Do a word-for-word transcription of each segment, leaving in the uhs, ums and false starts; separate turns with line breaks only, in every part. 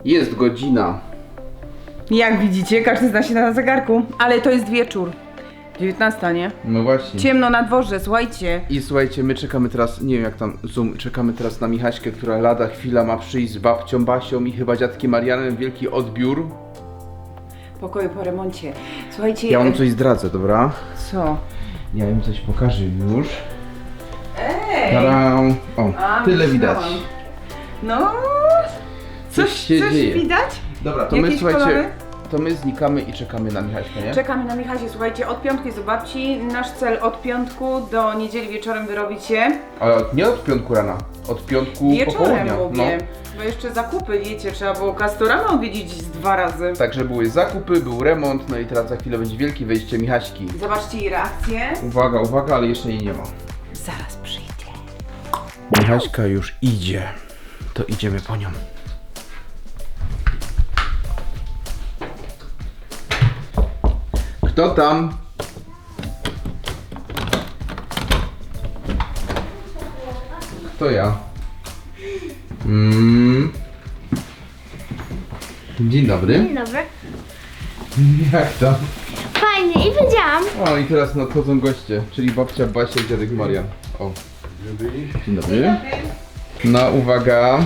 Jest godzina.
Jak widzicie, każdy zna się na zegarku, ale to jest wieczór. dziewiętnasta, nie?
No właśnie.
Ciemno na dworze, słuchajcie.
I słuchajcie, my czekamy teraz, nie wiem jak tam Zoom, czekamy teraz na Michaśkę, która lada chwila ma przyjść z babcią Basią i chyba dziadkiem Marianem, wielki odbiór.
Pokoju po remoncie. Słuchajcie...
Ja wam coś zdradzę, dobra?
Co?
Ja im coś pokażę już.
Ej!
Tada! O,
A,
tyle
myślałam.
widać.
No...
Coś
Coś,
się
coś
dzieje.
widać?
Dobra, to
Jakieś
my słuchajcie,
kolory?
to my znikamy i czekamy na Michaśkę, nie?
Czekamy na Michasie, słuchajcie, od piątku jest do babci. Nasz cel od piątku do niedzieli wieczorem wyrobić się.
Ale nie od piątku rana, od piątku
Wieczorem
popołudnia.
mówię. Bo jeszcze zakupy, wiecie, trzeba było Castorama odwiedzić z dwa razy.
Także były zakupy, był remont, no i teraz za chwilę będzie wielkie wejście Michaśki.
Zobaczcie jej reakcję.
Uwaga, uwaga, ale jeszcze jej nie ma.
Zaraz przyjdzie.
Michaśka już idzie, to idziemy po nią. Kto tam? Kto ja? Mm. Dzień dobry.
Dzień dobry.
Jak tam?
Fajnie i wiedziałam.
O i teraz nadchodzą goście, czyli babcia Basia i dziadek Marian. O. Dzień dobry. No uwaga.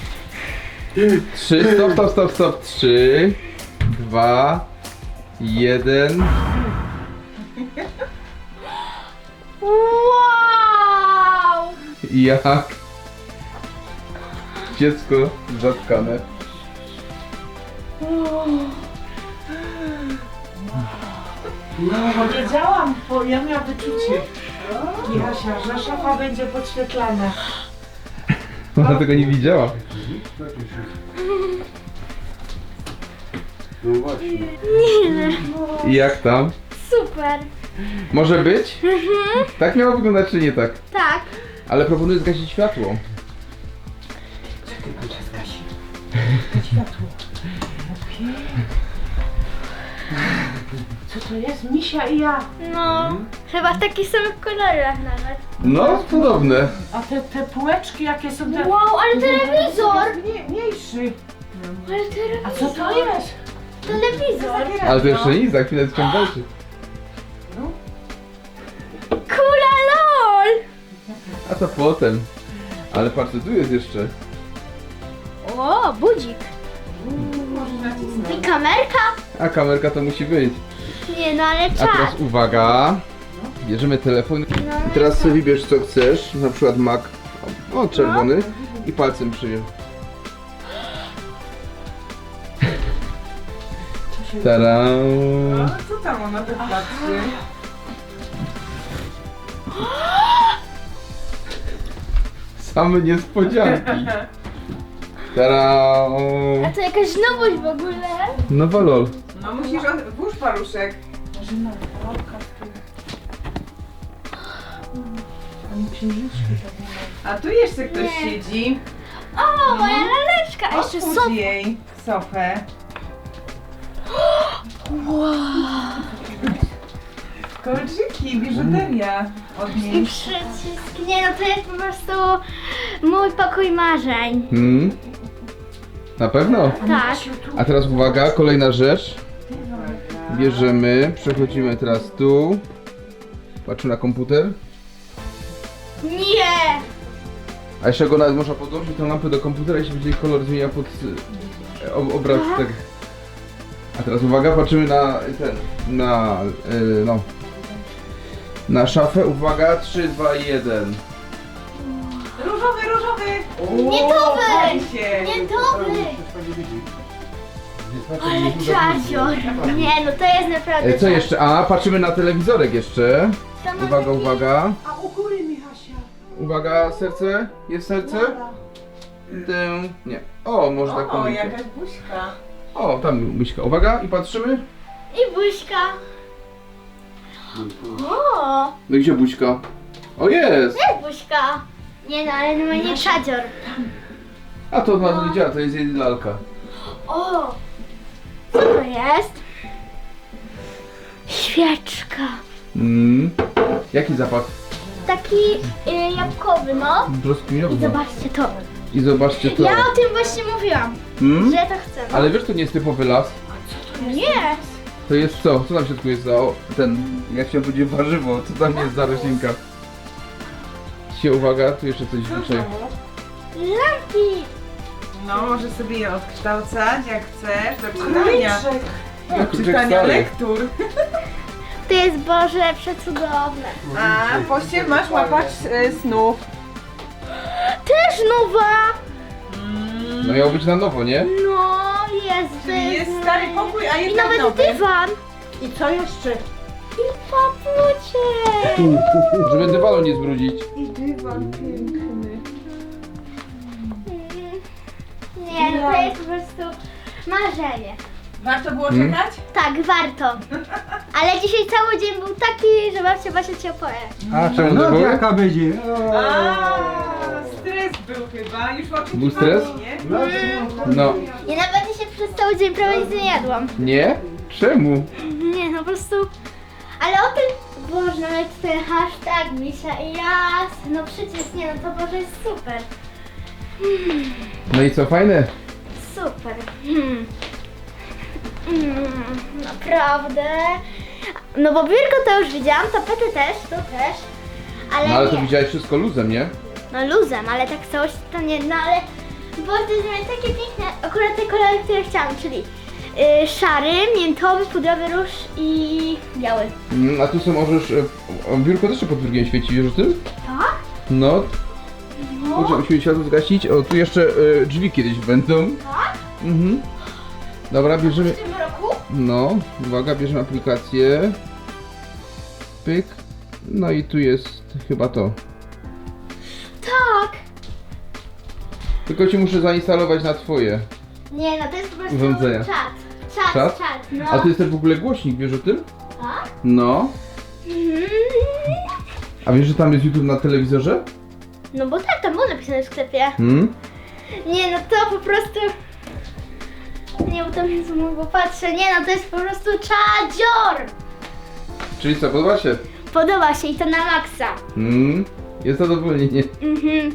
Trzy, stop, stop, stop, stop. Trzy, dwa, jeden.
Wow!
Jak? Dziecko zatkane.
No, wiedziałam, bo ja miałam wyczucie. Michasia, że szafa będzie podświetlana.
Ona tego nie widziała. I jak tam?
Super.
Może być? Tak miało wyglądać czy nie tak?
Tak.
Ale proponuję zgasić światło.
Co to jest? Misia i ja.
No, chyba w takich samych kolorach nawet.
No, podobne.
A te, te półeczki jakie są te...
Wow, ale telewizor!
Nie, mniejszy.
Ale telewizor.
A co to jest?
Telewizor.
Ale to jeszcze nic, za chwilę ciąg dalszy.
Kula LOL!
A to potem. Ale patrz, co tu jest jeszcze.
O, budzik. I kamerka?
A kamerka to musi być.
Nie no, ale
A
czas.
teraz uwaga. Bierzemy telefon. I teraz sobie wybierz co chcesz. Na przykład mak. O, czerwony. I palcem przyjem. Tada.
A co tam ona tak patrzy?
Same niespodzianki. Tada.
A to jakaś nowość w ogóle.
Nowa lol.
No musisz od... włóż paluszek.
Marzyna, kawałka z tyłu. Ani księżyczki tak nie ma.
A tu jeszcze ktoś
Nie.
siedzi.
O, moja laleczka. A jeszcze
Otwórz
sofa.
jej sofę. Kolczyki, biżuteria od
I
niej.
przycisk. Nie no, to jest po prostu mój pokój marzeń.
Hmm? Na pewno?
Tak.
A teraz uwaga, kolejna rzecz. Bierzemy, przechodzimy teraz tu. Patrzymy na komputer.
Nie!
A jeszcze go nawet można podłączyć tę lampę do komputera i się będzie kolor zmienia pod e, ob- obraz. Tak. A teraz uwaga, patrzymy na ten, na, y, no. Na szafę, uwaga, trzy, dwa, jeden.
Różowy, różowy!
Nie to
O,
wy!
pali się.
Nie to wy! Ale czazior. Nie no, to jest naprawdę
E, Co jeszcze? A, patrzymy na telewizorek jeszcze.
To ma
Uwaga,
taki-
uwaga.
A u góry Michasia.
Uwaga, serce? Jest serce? Tę, nie. O, może tak
O,
pomyślę.
jakaś buźka.
O, tam myśka. Uwaga, i patrzymy.
I buźka. O,
No i gdzie buźka? O, jest!
jest buźka. Nie no, ale no nie czadzior.
A to na to nie działa, to jest jej lalka.
O, co to jest? Świeczka.
Mm. Jaki zapach?
Taki y, jabłkowy, no. I
Brzoskwiniowy.
zobaczcie to.
I zobaczcie to.
Ja o tym właśnie mówiłam,
Hmm?
że to chcę. No.
Ale wiesz, to nie jest typowy las.
Nie.
To jest co? Co tam w środku jest za o, ten, jak chciałem powiedzieć, warzywo? Co tam jest za roślinka? Się uwaga, tu jeszcze coś dzisiaj.
Lampki.
No, możesz sobie je odkształcać jak chcesz, do czytania.
Kurczę.
Do
Kurczę,
czytania
stary.
lektur.
To jest Boże przecudowne.
A, poście masz łapać e, snów.
Też nowa.
No miało być na nowo, nie?
No, jest. to
Czyli jest stary pokój, a
I
jest
nawet
nowy.
dywan.
I co jeszcze?
I papucie.
Żeby dywanu nie zbrudzić.
I dywan piękny.
Nie, no to jest po prostu marzenie.
Warto było
Hmm?
czekać?
Tak, warto. Ale dzisiaj cały dzień był taki, że babcia Basia cię opowie.
A czemu
No
to było?
jaka będzie?
A, stres był chyba, już oczekiwali,
Był stres?
nie?
No.
Ja nawet dzisiaj przez cały dzień prawie nic nie jadłam.
Nie? Czemu?
Nie, no po prostu... Ale o tym, Boże, nawet ten hashtag Misia i Jas, no przecież nie, no to Boże jest super.
No i co, fajne?
Super. Hmm. Mm, naprawdę. No bo biurko to już widziałam, tapety też, to też. Ale,
No ale to
nie.
widziałeś wszystko luzem, nie?
No luzem, ale tak całość to nie, no ale Boże, miałem takie piękne, akurat te kolory, które chciałam, czyli yy, szary, miętowy, pudrowy róż i biały.
Mm, a tu są możesz... e, o, biurko też się podwórkiem świeci, wiesz o tym?
Tak?
No. Kurczę, musimy światło zgasić. O, tu jeszcze e, drzwi kiedyś będą.
Tak?
Mhm. Dobra, bierzemy...
W tym roku?
No, uwaga, bierzemy aplikację. Pyk. No i tu jest chyba to.
Tak.
Tylko ci muszę zainstalować na twoje.
Nie, no to jest po prostu
Urządzenia.
czat. Czat,
Czat?
czat, no.
A tu jest też w ogóle głośnik, wiesz o tym?
Tak?
No.
Mhm.
A wiesz, że tam jest YouTube na telewizorze?
No bo tak, tam było napisane w sklepie.
Hmm?
Nie, no to po prostu... Nie, bo tam jest bo patrzę. Nie, no to jest po prostu czadzior.
Czyli co, podoba się?
Podoba się i to na maksa.
Hmm? Jest zadowolenie.
Mhm.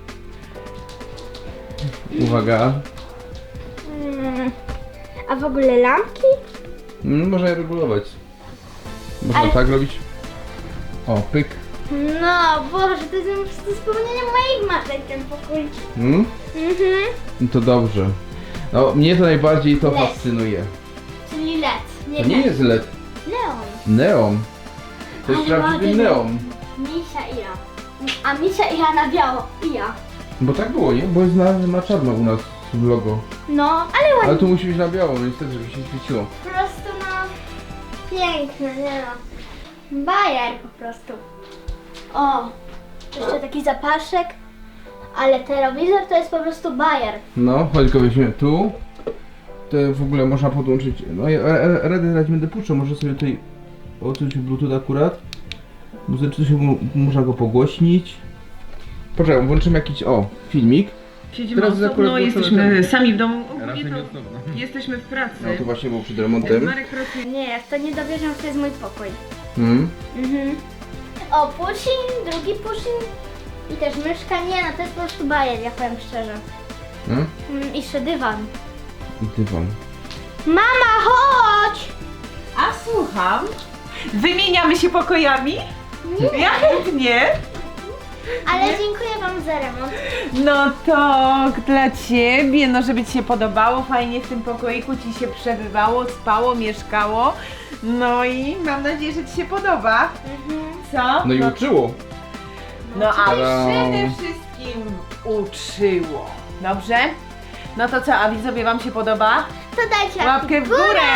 Uwaga.
Mm. A w ogóle lampki?
Hmm, można je regulować. Można
Ale-
tak robić. O, pyk.
No, Boże, to jest po prostu spełnienie moich marzeń ten pokój.
Hmm?
Mhm.
No to dobrze. No, mnie to najbardziej to
Led.
fascynuje.
Czyli L E D. Nie,
To nie
LED.
jest L E D.
Neon.
Neon. To jest
Ale
prawdziwy
ładny.
neon.
Misia i ja. A Misia i ja na biało. I ja.
Bo tak było, nie? Bo jest na, na czarno u nas w logo.
No, ale ładnie.
Ale tu musi być na biało, no niestety, żeby się świeciło.
Po prostu no... Piękne, nie no. Bajer po prostu. O, jeszcze taki zapaszek. Ale telewizor to jest po prostu bajer.
No, chodź go weźmiemy tu. To w ogóle można podłączyć. No ja radę dać będę puszczał, może sobie tutaj odczuć Bluetooth akurat. Muzycznie się mu- można go pogłośnić. Poczekaj, włączymy jakiś o filmik.
Siedzimy
Teraz akurat
osobno,
włączone
jesteśmy
ten-
sami w domu. Ogólnie
Razem
to
i osobno.
jesteśmy w pracy.
No to właśnie było przed remontem.
Marek pracuje.
Nie, jak to nie dowierzam, to jest mój pokój.
Hmm?
Mhm. O, pushing, drugi pushing. I też myszka. Nie no, to jest po prostu bajer, ja powiem szczerze.
Hmm?
Mm, I jeszcze dywan.
I dywan.
Mama, chodź!
A słucham? Wymieniamy się pokojami? Ja chętnie.
Ale dziękuję wam za remont.
No to dla ciebie, no żeby ci się podobało, fajnie w tym pokoiku ci się przebywało, spało, mieszkało. No i mam nadzieję, że ci się podoba.
Mhm.
Co?
No i uczyło.
No a
Tada.
przede wszystkim uczyło. Dobrze? No to co, a widzowie wam się podoba?
To dajcie
Łapkę w górę!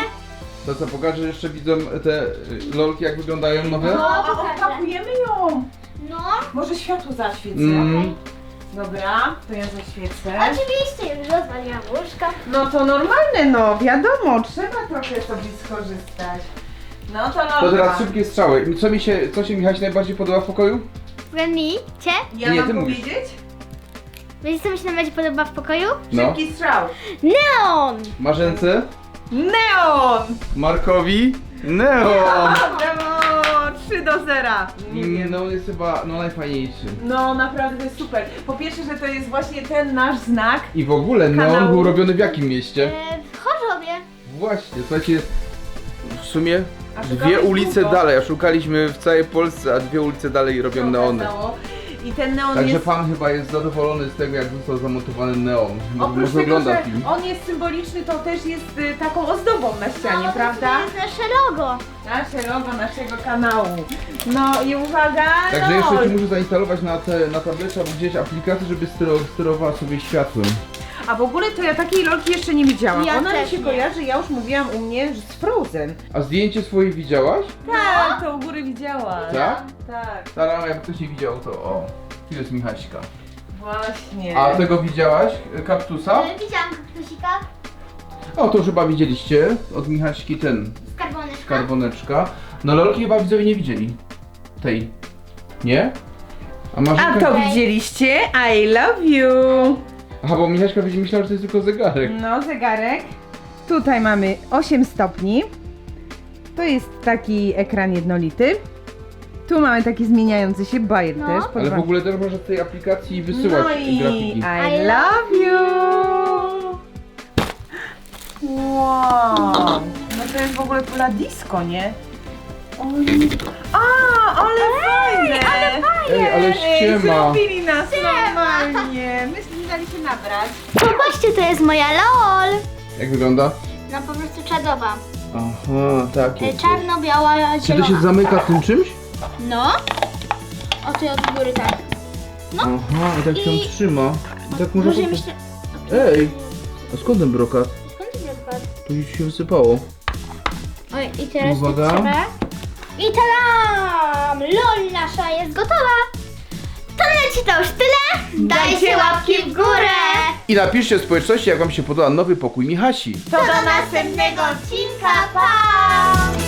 To co, pokażę jeszcze widzom te y, lolki jak wyglądają nowe?
No.
A odpakujemy ją!
No,
Może światło zaświecę.
Mm.
Dobra, to ja zaświecę.
oczywiście, już rozwaliłam łóżko.
No to normalne, no wiadomo, trzeba trochę sobie skorzystać. No to
To
dobra.
teraz szybkie strzały. Co mi się, co się Michaś najbardziej podoba w pokoju?
Mi, cię?
Ja
Nie,
mam
ty mówisz.
powiedzieć?
Wiecie co mi się najbardziej podoba w pokoju?
No.
Szybki strzał.
Neon!
Marzence?
Neon!
Markowi? Neon!
Brawo! trzy do zera. Nie wiem.
No on jest chyba no, najfajniejszy.
No naprawdę to jest super. Po pierwsze, że to jest właśnie ten nasz znak.
I w ogóle neon
Kanału.
był robiony w jakim mieście?
E, w Chorzowie.
Właśnie, słuchajcie, w sumie
A
dwie
szukałeś
ulice
długo.
dalej, a szukaliśmy w całej Polsce, a dwie ulice dalej robią
się
neony.
okazało. I ten neon
Także
jest...
pan chyba jest zadowolony z tego, jak został zamontowany neon. Mo-
Oprócz
Może
tego,
ogląda
że
film.
on jest symboliczny, to też jest y, taką ozdobą na ścianie,
No,
prawda?
To jest nasze logo.
Nasze logo naszego kanału. No i uwaga,
Także
no.
jeszcze ci muszę zainstalować na, te, na tablecie albo gdzieś aplikację, żeby styro, sterowała sobie światłem.
A w ogóle to ja takiej lolki jeszcze nie widziałam.
Ja
Ona mi
też
się
nie.
kojarzy, ja już mówiłam u mnie z Frozen.
A zdjęcie swoje widziałaś?
Tak, to u góry widziałam.
Tak?
Tak,
Stara, jak ktoś nie widział, to o, tu jest Michaśka.
właśnie.
A tego widziałaś? Kaktusa?
E, widziałam kaktusika.
O, to już chyba widzieliście. Od Michaśki ten,
Skarboneczka.
skarboneczka. No lolki chyba widzowie nie widzieli. Tej. Nie? A masz
A to widzieliście? I love you.
Aha, bo Michaśka będzie myślała, że to jest tylko zegarek.
No, zegarek. Tutaj mamy osiem stopni. To jest taki ekran jednolity. Tu mamy taki zmieniający się bajer
No.
też.
Ale w
Podoba-
ogóle też można z tej aplikacji wysyłać
No i
grafiki.
I love you. Wow. No to jest w ogóle pula disco, nie? Oj. A, ale fajne! Ale
Ej, ale ściema.
zrobili nas normalnie. Myśmy nie dali się nabrać.
Popatrzcie, to jest moja LOL.
Jak wygląda?
No po prostu czadowa.
Aha, tak
E,
jest.
Czarno-biała,
Czy to się
zielona.
zamyka tym czymś?
No. O, ty od góry tak. No.
Aha, i tak się
I-
trzyma. I tak można
Może
po-
myślę...
Ej! A skąd ten brokat?
Skąd ty odpadł?
Tu już się wysypało.
Oj, i teraz
Uwaga.
to trzeba. I tadam! LOL nasza jest gotowa! To leci to już tyle! Dajcie łapki w górę!
I napiszcie w społeczności, jak wam się podoba nowy pokój Michasi.
To
Do następnego odcinka, pa!